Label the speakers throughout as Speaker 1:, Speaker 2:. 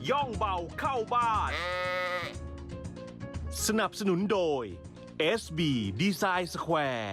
Speaker 1: ย่องเบาเข้าบ้าน สนับสนุนโดย SB Design Square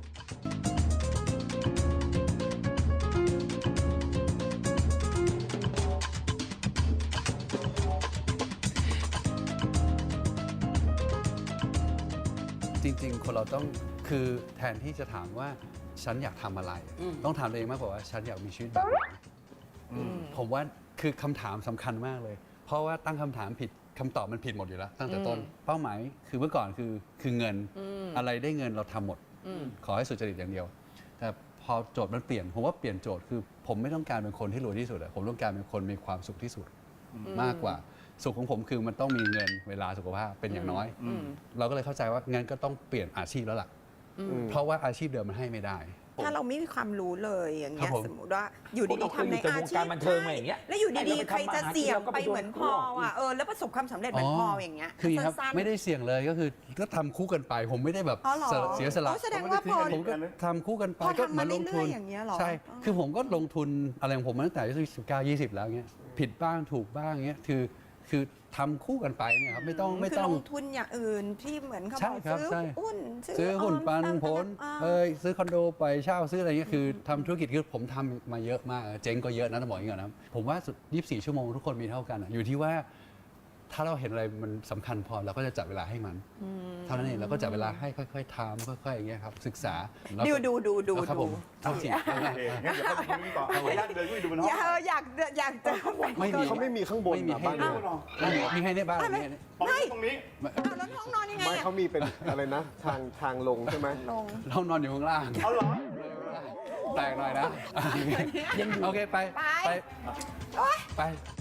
Speaker 2: จริงๆคนเราต้องคือแทนที่จะถามว่าฉันอยากทำอะไร ต้องถามตัวเองมากกว่าว่าฉันอยากมีชีวิตแบบไหนผมว่าคือคำถามสำคัญมากเลย เพราะว่าตั้งคำถามผิดคำตอบมันผิดหมดอยู่แล้วตั้งแต่ต้นเป้าหมายคือเมื่อก่อนคือเงินอะไรได้เงินเราทำหมดขอให้สุจริตอย่างเดียว แต่พอโจทย์มันเปลี่ยนผมว่าเปลี่ยนโจทย์คือผมไม่ต้องการเป็นคนที่รวยที่สุดผมต้องการเป็นคนมีความสุขที่สุดมากกว่าสุขของผมคือมันต้องมีเงินเวลาสุขภาพเป็นอย่างน้อยเราก็เลยเข้าใจว่างั้นก็ต้องเปลี่ยนอาชีพแล้วล่ะเพราะว่าอาชีพเดิมมันให้ไม่ได้
Speaker 3: ถ้าเราไม่มีความรู้เลยอย่างเงี้ย
Speaker 2: ครับผม
Speaker 3: สมมติว่าอยู่ดีๆทำในอาชีพ
Speaker 4: บันเทิงมาอย่างเงี้ย
Speaker 3: แล้วอยู่ดีๆใครจะเสี่ยงไปเหมือนพออ่ะแล้วประสบความสำเร็จเหมือนพออย่างเงี้ย
Speaker 2: คือครับ
Speaker 3: สั้นๆ
Speaker 2: ไม่ได้เสี่ยงเลยก็ทำคู่กันไป ผมไม่ได้แบบ
Speaker 3: อ๋อเหรอ
Speaker 2: เสียสละ
Speaker 3: อ๋อแสดงว่าพอ
Speaker 2: ผมก็ทำคู่กันไป
Speaker 3: พอ
Speaker 2: ก็
Speaker 3: ทำ
Speaker 2: เหมือนลงทุน
Speaker 3: มาเรื่อยๆอย่างเงี้ยเหรอ
Speaker 2: ใช่
Speaker 3: อ๋อ
Speaker 2: คือผมก็ลงทุนอะไรของผมมาตั้งแต่อายุ19-20แล้วเงี้ยผิดบ้างถูกบ้างเงี้ยคือทำคู่กันไปเนี่ยครับไม่ต้อง
Speaker 3: คือลงทุนอย่างอื่นที่เหมือนเขา
Speaker 2: ใช่
Speaker 3: บอก
Speaker 2: ครับ
Speaker 3: ซื้อ
Speaker 2: ใช่
Speaker 3: หุ้น
Speaker 2: ซื้อหุ้นปันผล
Speaker 3: อ่า
Speaker 2: ซื้อคอนโดไปเช่าซื้ออะไรเงี้ยคือทำธุรกิจคือผมทำมาเยอะมากเจ๊งก็เยอะนะต้องบอกอย่างนี้ก่อนนะผมว่าสุด24 ชั่วโมงทุกคนมีเท่ากันอยู่ที่ว่าถ้าเราเห็นอะไรมันสำคัญพอเราก็จะจัดเวลาให้มันเท่านั้นเองเราก็จัดเวลาให้ค่อยๆทำค่อยๆอย่างเงี้ยครับศึกษาแล้วก็
Speaker 3: ดู
Speaker 2: ครับผมเอาสิ
Speaker 5: โอเคงั้นเดี๋ยวไปดูนี่ต่อเอาญาติเดินขึ้นไปดูบนห้อง
Speaker 3: อยากเจอ
Speaker 2: ไม่มี
Speaker 5: เขาไม่มีข้างบน
Speaker 2: ไม่มี
Speaker 5: อะ
Speaker 2: ให้
Speaker 5: บ้าน
Speaker 2: ดู
Speaker 5: เนี่ย
Speaker 2: มีให้ในบ้านมีให้ใน
Speaker 5: ตรงนี้
Speaker 3: เอาแล้วห้องนอนยังไง
Speaker 5: ไม่
Speaker 3: อะ
Speaker 5: เขามีเป็นอะไรนะ ทางลงใช่ไหม
Speaker 3: ลง
Speaker 2: เรานอนอยู่ข้างล่าง
Speaker 5: เอาเหรอ
Speaker 2: แตกหน่อยนะโอเคไป
Speaker 3: โอ๊ย
Speaker 2: ไป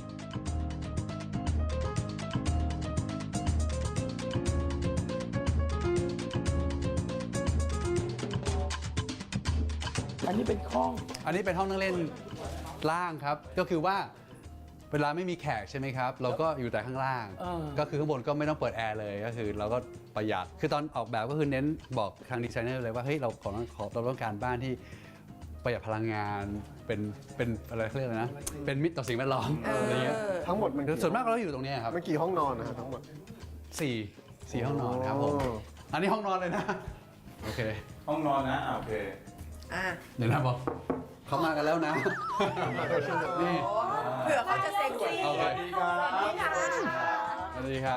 Speaker 4: อันนี้เป็นห้อง
Speaker 2: อันนี้เป็นห้องนั่งเล่นล่างครับ ก็คือว่าเวลาไม่มีแขกใช่ไหมครับ เราก็อยู่แต่ข้างล่าง ก็คือข้างบนก็ไม่ต้องเปิดแอร์เลยก็คือเราก็ประหยัดคือตอนออกแบบก็คือเน้นบอกทางดีไซเนอร์เลยว่าเฮ้ยเราต้องการบ้านที่ประหยัดพลังงานเป็นอะไรเขาเรียกอะไรนะเป็นมิตรต่อสิ่งแวดล้อมอะไรเงี้ย
Speaker 5: ทั้งหมดมัน
Speaker 2: ส่วนมากเราอยู่ตรงนี้ครับ
Speaker 5: มันกี่ห้องนอนนะฮะทั้งหมด
Speaker 2: สี่ห้องนอนครับผม
Speaker 5: โอ้
Speaker 2: อันนี้ห้องนอนเลยนะโอเค
Speaker 5: ห้องนอนนะโอเค
Speaker 3: อ่ะ
Speaker 2: เดี๋ยวนะบอกเขามากันแล้วนะนี่
Speaker 3: เผื่อเขาจะเซ็กซี่
Speaker 2: โอเค
Speaker 3: สวัสดีค่ะ
Speaker 2: สวัสดีครับ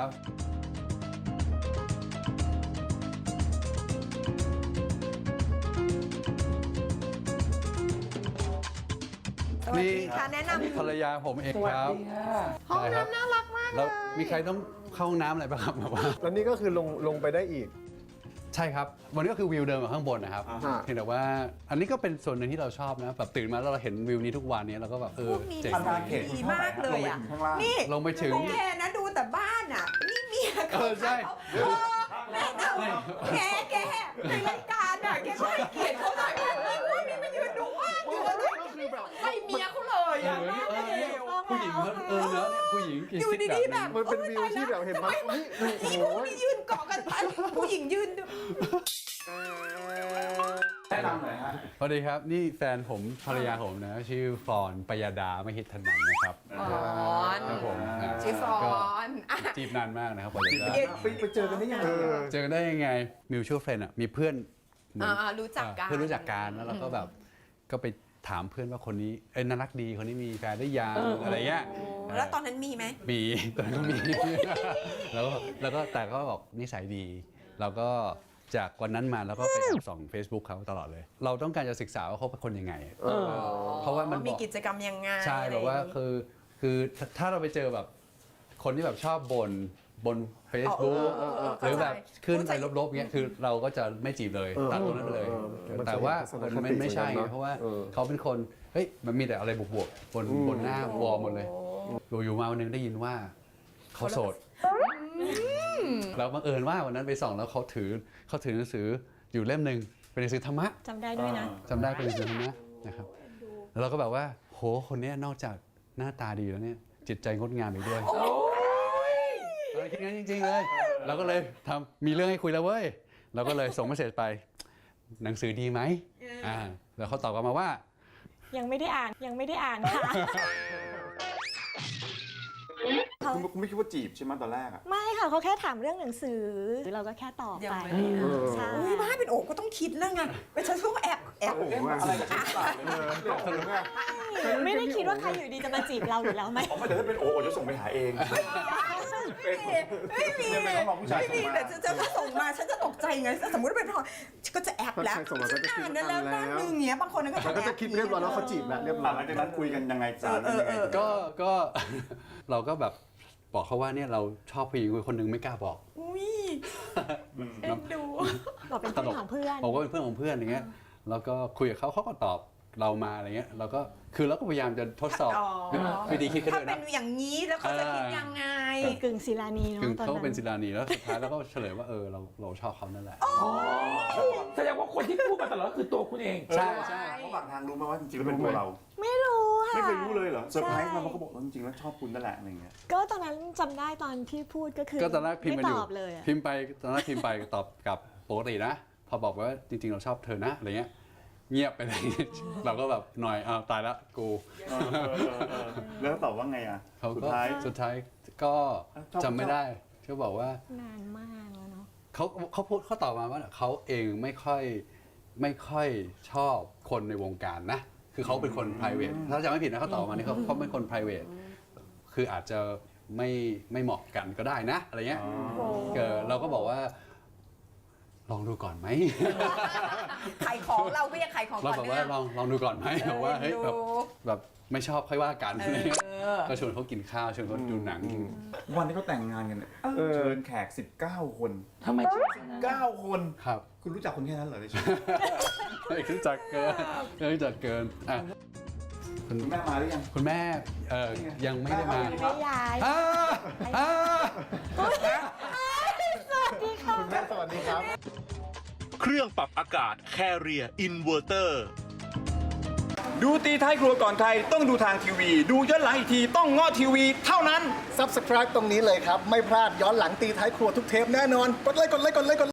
Speaker 3: สวัสดีค่ะแนะนำ
Speaker 2: ภรรยาผมเองครับ
Speaker 3: ห้องน้ำน่ารักมากเล
Speaker 2: แล้ว
Speaker 3: ย
Speaker 2: มีใครต้องเข้าห้องน้ำอะไรบ้างครับแบบว่า
Speaker 5: แล้วนี่ก็คือลงไปได้อีก
Speaker 2: ใช่ครับวันนี้ก็คือวิวเดิมกับข้างบนนะครับ
Speaker 5: อ่าฮะ
Speaker 2: เพียงแต่ว่าอันนี้ก็เป็นส่วนหนึ่งที่เราชอบนะแบบตื่นมาแล้วเราเห็นวิวนี้ทุกวันนี้เราก็แบบ
Speaker 3: พวกนี้
Speaker 2: เจ๋ง
Speaker 3: ดีมากเลยอ่ะนี่
Speaker 2: ลงไปถึง
Speaker 3: พวกแกนะดูแต่บ้านอ่ะนี่เมียเขา
Speaker 2: ใช่
Speaker 3: แม่เอาแกในรายการอ่ะแกก็ให้เกียรติเขาหน่อยว่ามีมายืนดูบ้านอยู่เลยให้เมียเขาเลยอ่ะ
Speaker 2: ผู้หญิงเขาเนอะผู้หญิงกิน
Speaker 3: อยู่
Speaker 2: ซิก
Speaker 3: ดี
Speaker 2: แบบ
Speaker 3: ๆแบบ
Speaker 5: มันเป็นวิวที่แบบเห็นไหมเฮ้ยโอ้
Speaker 3: นี่
Speaker 5: โห
Speaker 3: พวกนี้ยืนเกาะกันไปผู้หญิงยืนดู
Speaker 5: แนะนำหน่อยฮะ
Speaker 2: สวัสดีครับนี่แฟนผมภรรยาผมนะชื่อฟอนปยดามหิทธนันท์นะครับ
Speaker 3: ฟอน
Speaker 2: ครับผม
Speaker 3: ชื่อฟอนอ่ะ
Speaker 2: จีบนานมากนะครับปยดา
Speaker 5: ไปเจอกันได้ยังไง
Speaker 2: เจอกันได้ยังไงมิวชั่วเฟรนด์อ่ะมีเพื่อนเหมือน
Speaker 3: รู้จักกัน
Speaker 2: เพื่อนรู้จักกันแล้วเราก็แบบก็ไปถามเพื่อนว่าคนนี้น่ารักดีคนนี้มีแฟนได้ยังอะไรเงี้ย
Speaker 3: แล้วตอนนั้นมีไหม
Speaker 2: มีตอนนั้นก็มี แล้วก็แต่ก็บอกนิสัยดีเราก็จากวันนั้นมาแล้วก็ไปส่อง Facebook เขาตลอดเลย เราต้องการจะศึกษาว่าเขาเป็นคนยังไงเพราะว่ามัน
Speaker 3: มี
Speaker 2: บอก
Speaker 3: กิจกรรมยังไง
Speaker 2: ใช่แบบว่าคือถ้าเราไปเจอแบบคนที่แบบชอบบ่น Facebook หรือแบบขึ้นไปลบๆเงี้ยคือเราก็จะไม่จีบเลยตัดตรงนั้นไปเลย แต่ว่ามันไม่ใช่ไงเพราะว่าเขาเป็นคนเฮ้ยมันมีแต่อะไรบวกๆบนหน้าวอลหมดเลยอยู่มาวันนึงได้ยินว่าเขาโสดเราบังเอิญว่าวันนั้นไปส่องแล้วเขาถือหนังสืออยู่เล่มหนึ่งเป็นหนังสือธรรมะ
Speaker 6: จำได้ด้วยนะ
Speaker 2: จำได้เป็นหนังสือธรรมะนะครับแล้วเราก็แบบว่าโหคนนี้นอกจากหน้าตาดีแล้วเนี่ยจิตใจงดงามอีกด้วยเราคิดงั้นจริงๆเลยเราก็เลยมีเรื่องให้คุยแล้วเว้ยเราก็เลยส่งเมสเสจไปหนังสือดีไหมแล้วเขาตอบกลับมาว่า
Speaker 6: ยังไม่ได้อ่านค่ะ
Speaker 5: คุณไม่คิดว่าจีบใช่ไหมตอนแรกอะ
Speaker 6: ไม่ค่ะเขาแค่ถามเรื่องหนังสือเราก็แค่ตอบ
Speaker 3: ยัง
Speaker 6: ไป
Speaker 3: ไม่ได้อ่าน
Speaker 6: ใช่
Speaker 3: อุ้ยบ้าเป็นโอกก็ต้องคิดแล้วไงเป็นฉันต้องแอบ
Speaker 5: โอ้โหอะไรกับฉัน
Speaker 6: ไม่ได้คิดว่าใครอยู่ดีจะมาจีบเราอยู่แล้วไหม
Speaker 5: ผมไม่แต่ถ้าเป็นโอจะส่งไปหาเอง
Speaker 3: ไม่มี
Speaker 5: เป็นน้องผู้ชาย
Speaker 3: ไม่มี
Speaker 5: ส่งมา
Speaker 3: แต่จะส่งมาฉันจะตกใจไงสมมติว่าเป็นพลอยก็จะแอบแล้ว
Speaker 7: ใครส่งมาก็จะคิด
Speaker 3: อ่านนั้นแล้ว
Speaker 7: อ่านแล้ว
Speaker 3: นั่นนึงเงี้ยบางคนก็
Speaker 7: มันก็จะคิดเรียบร้อยแล้วเขาจีบแล้วเรียบร้อย
Speaker 5: หลังจากนั้นคุยกันยังไงจ้ายังไง
Speaker 2: ก็ เราก็แบบบอกเขาว่าเนี่ยเราชอบผู้หญิงคนหนึ่งไม่กล้าบอก
Speaker 3: อุ้ยเอ็นดู
Speaker 6: บอกเป็นเพื่อนของเพื่อน
Speaker 2: บอกว่าเป็นเพื่อนของเพื่อนอย่างเงี้ยแล้วก็คุยกับเขาเขาก็ตอบเรามาอะไรเงี้ยเราก็คือเราก็พยายามจะทดสอบวิธีคิดกัน
Speaker 3: ถ้า
Speaker 2: ด้วย
Speaker 3: เป็
Speaker 2: นะ
Speaker 3: นอย่างนี้แล้วเขาจะคิดยังไง
Speaker 6: กึ่งศิลานีเนาะ
Speaker 2: คือ
Speaker 6: ตอน
Speaker 2: เขาก็
Speaker 6: นั้
Speaker 2: เป็น
Speaker 6: น
Speaker 2: ศิลานีแล้วสุดท้ายแล้วก็เฉลยว่าเราชอบเขานั่นแหละ
Speaker 4: แสดงว่าคนที่พูดมาตลอดก็คือตัวคุณเอง
Speaker 2: ใช่
Speaker 5: ระหว่างทางรู้ไหมว่าจริงๆแล้วเป็นตัวเรา
Speaker 6: ไม่รู้ค่ะ
Speaker 5: ไม่เคยรู้เลยเหรอเซอร์ไพรส์
Speaker 6: ใช่
Speaker 5: มาเขาบอกว่าจริงๆแล้วชอบคุณนั่นแหละอะไรเงี้ย
Speaker 6: ก็ตอนนั้นจำได้ตอนที่พูดก็คือ
Speaker 2: ก็ตอนแรกพิมพ์กันอยู่
Speaker 6: ไตอบเลยอะ
Speaker 2: พิมพ์ไปตอนแรกพิมพ์ไปตอบกลับปกตินะ พอบอกว่าจริงๆเราชอบเธอนะอะไรเงี้ยเงียบไปเลย เราก็แบบหน่อยอ้าวตายละกู
Speaker 5: แล้วตอบว่าไงอ่ะ
Speaker 2: เขา
Speaker 5: สุด
Speaker 2: ก็
Speaker 5: ท้าย
Speaker 2: สุดท้ายก็
Speaker 5: ชอบ
Speaker 2: จำไม่ได้เขาบอกว่า
Speaker 6: นานมากแล้วเนาะ
Speaker 2: เขาตอบมาว่าเขาเองไม่ค่อยชอบคนในวงการนะ คือเขาเป็นคน private ถ้าจำไม่ผิดนะเขาตอบมานี่เขาเป็นคน private คืออาจจะไม่เหมาะกันก็ได้นะอะไรเงี้ยเราก็บอกว่า ลองดูก่อนไหม
Speaker 3: ขายของเราก็ยังขายของ
Speaker 2: เรา
Speaker 3: ก่อน
Speaker 2: บอกว่า
Speaker 3: เนี่ย
Speaker 2: ลองดูก่อนไหมบอกว่าเฮ้ยแบบไม่ชอบค่อยว่ากันอะไรเงี้ย
Speaker 3: อ
Speaker 2: ก็ชวนเขากินข้าวชวนเขาดูหนัง
Speaker 5: วันที่เขาแต่งงานกันเนี่ยเชิญแขก19 คน
Speaker 4: ทำไมถึง
Speaker 5: 9 คน
Speaker 2: ครับ
Speaker 5: คุณรู้จักคนแค่นั้นเหรอในชีวิต
Speaker 2: รู้จักเกินรู้จักเกินอ่ะ
Speaker 5: คุณแม่มาหรือยัง
Speaker 2: คุณแม่ยังไม่ได้มา
Speaker 6: ไม่ย้ายสวัสดีค่ะ
Speaker 7: คุณแม่สวัสดีครับ
Speaker 1: เครื่องปรับอากาศ Carrier Inverter
Speaker 5: ดูตีท้ายครัวก่อนใครต้องดูทางทีวี ดูย้อนหลังอีกทีต้องง้อทีวีเท่านั้น
Speaker 7: Subscribe ตรงนี้เลยครับ ไม่พลาดย้อนหลังตีท้ายครัวทุกเทปแน่นอน กดไลค์